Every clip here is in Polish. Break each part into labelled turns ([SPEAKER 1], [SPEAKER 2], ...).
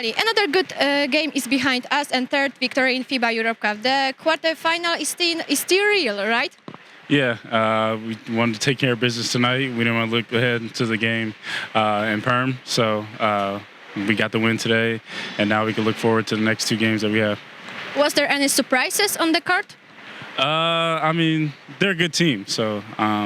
[SPEAKER 1] Ali, another good game is behind us and third victory in FIBA Europe Cup. The quarterfinal is still real, right?
[SPEAKER 2] Yeah, we wanted to take care of business tonight. We didn't want to look ahead to the game in Perm, so we got the win today, and now we can look forward to the next two games that we have.
[SPEAKER 1] Was there any surprises on the court?
[SPEAKER 2] I mean, they're a good team, so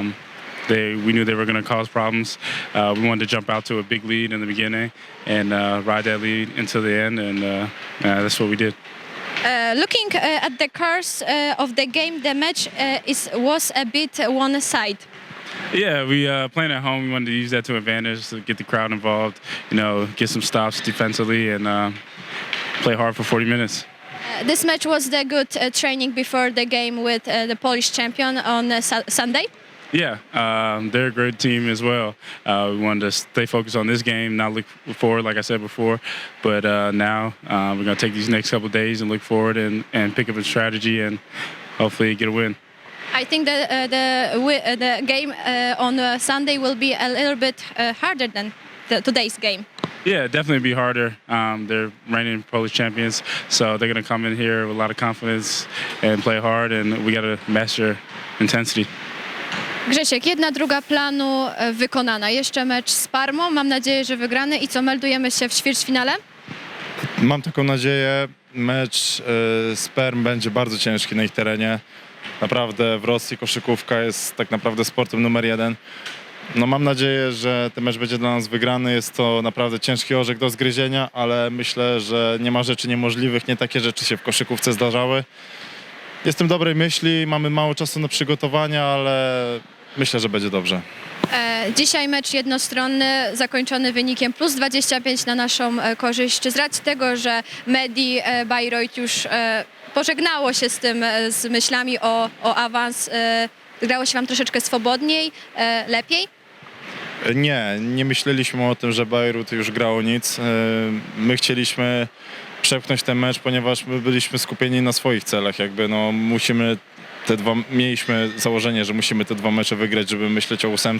[SPEAKER 2] we knew they were going to cause problems. We wanted to jump out to a big lead in the beginning and ride that lead until the end, and that's what we did.
[SPEAKER 1] Looking at the course of the game, the match was a bit one-sided.
[SPEAKER 2] Yeah, we playing at home. We wanted to use that to advantage to get the crowd involved. Get some stops defensively and play hard for 40 minutes.
[SPEAKER 1] This match was the good training before the game with the Polish champion on Sunday.
[SPEAKER 2] Yeah, they're a great team as well. We wanted to stay focused on this game, not look forward, like I said before. But now we're going to take these next couple of days and look forward and pick up a strategy and hopefully get a win.
[SPEAKER 1] I think that the game on Sunday will be a little bit harder than today's game.
[SPEAKER 2] Yeah, definitely be harder. They're reigning Polish champions, so they're going to come in here with a lot of confidence and play hard, and we got to master intensity.
[SPEAKER 1] Grzesiek, 1/2 planu wykonana. Jeszcze mecz z Parmą. Mam nadzieję, że wygrany. I co, meldujemy się w ćwierćfinale?
[SPEAKER 3] Mam taką nadzieję. Mecz z Perm będzie bardzo ciężki na ich terenie. Naprawdę w Rosji koszykówka jest tak naprawdę sportem numer 1. No mam nadzieję, że ten mecz będzie dla nas wygrany. Jest to naprawdę ciężki orzech do zgryzienia, ale myślę, że nie ma rzeczy niemożliwych. Nie takie rzeczy się w koszykówce zdarzały. Jestem dobrej myśli, mamy mało czasu na przygotowania, ale myślę, że będzie dobrze.
[SPEAKER 1] Dzisiaj mecz jednostronny, zakończony wynikiem +25 na naszą korzyść. Czy z racji tego, że Medi Bayreuth już pożegnało się z myślami o awans, grało się wam troszeczkę swobodniej, lepiej?
[SPEAKER 3] Nie myśleliśmy o tym, że Bayreuth już grało nic. My chcieliśmy przepchnąć ten mecz, ponieważ my byliśmy skupieni na swoich celach. Mieliśmy założenie, że musimy te 2 mecze wygrać, żeby myśleć o 8.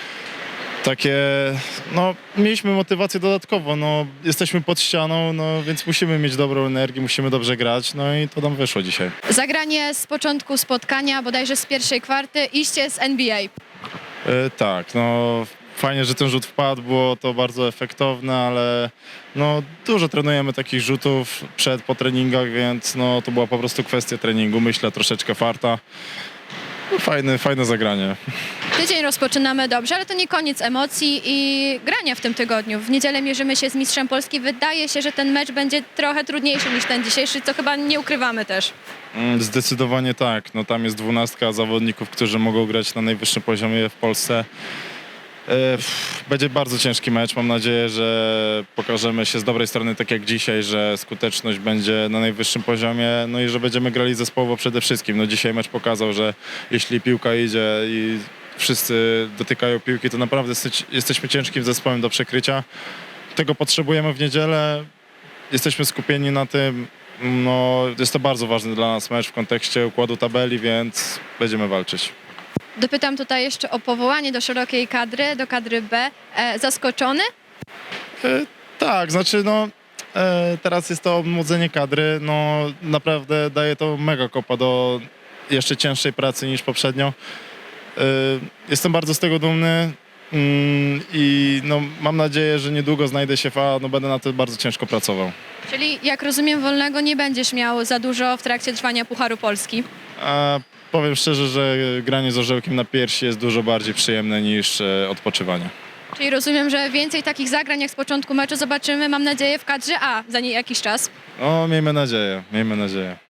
[SPEAKER 3] Mieliśmy motywację dodatkowo, jesteśmy pod ścianą, więc musimy mieć dobrą energię, musimy dobrze grać, i to nam wyszło dzisiaj.
[SPEAKER 1] Zagranie z początku spotkania, bodajże z pierwszej kwarty, iście z NBA.
[SPEAKER 3] Tak, fajnie, że ten rzut wpadł, było to bardzo efektowne, ale dużo trenujemy takich rzutów po treningach, więc to była po prostu kwestia treningu, myślę, troszeczkę farta. Fajne zagranie.
[SPEAKER 1] Tydzień rozpoczynamy dobrze, ale to nie koniec emocji i grania w tym tygodniu. W niedzielę mierzymy się z mistrzem Polski. Wydaje się, że ten mecz będzie trochę trudniejszy niż ten dzisiejszy, co chyba nie ukrywamy też.
[SPEAKER 3] Zdecydowanie tak. Tam jest 12 zawodników, którzy mogą grać na najwyższym poziomie w Polsce. Będzie bardzo ciężki mecz. Mam nadzieję, że pokażemy się z dobrej strony, tak jak dzisiaj, że skuteczność będzie na najwyższym poziomie, i że będziemy grali zespołowo przede wszystkim. Dzisiaj mecz pokazał, że jeśli piłka idzie i wszyscy dotykają piłki, to naprawdę jesteśmy ciężkim zespołem do przekrycia. Tego potrzebujemy w niedzielę. Jesteśmy skupieni na tym. Jest to bardzo ważny dla nas mecz w kontekście układu tabeli, więc będziemy walczyć.
[SPEAKER 1] Dopytam tutaj jeszcze o powołanie do szerokiej kadry, do kadry B. Zaskoczony?
[SPEAKER 3] Tak, teraz jest to obmłodzenie kadry. Naprawdę daje to mega kopa do jeszcze cięższej pracy niż poprzednio. Jestem bardzo z tego dumny i mam nadzieję, że niedługo znajdę się w A, będę na to bardzo ciężko pracował.
[SPEAKER 1] Czyli jak rozumiem, wolnego nie będziesz miał za dużo w trakcie trwania Pucharu Polski?
[SPEAKER 3] Powiem szczerze, że granie z orzełkiem na piersi jest dużo bardziej przyjemne niż odpoczywanie.
[SPEAKER 1] Czyli rozumiem, że więcej takich zagrań jak z początku meczu zobaczymy, mam nadzieję, w kadrze A za jakiś czas.
[SPEAKER 3] Miejmy nadzieję.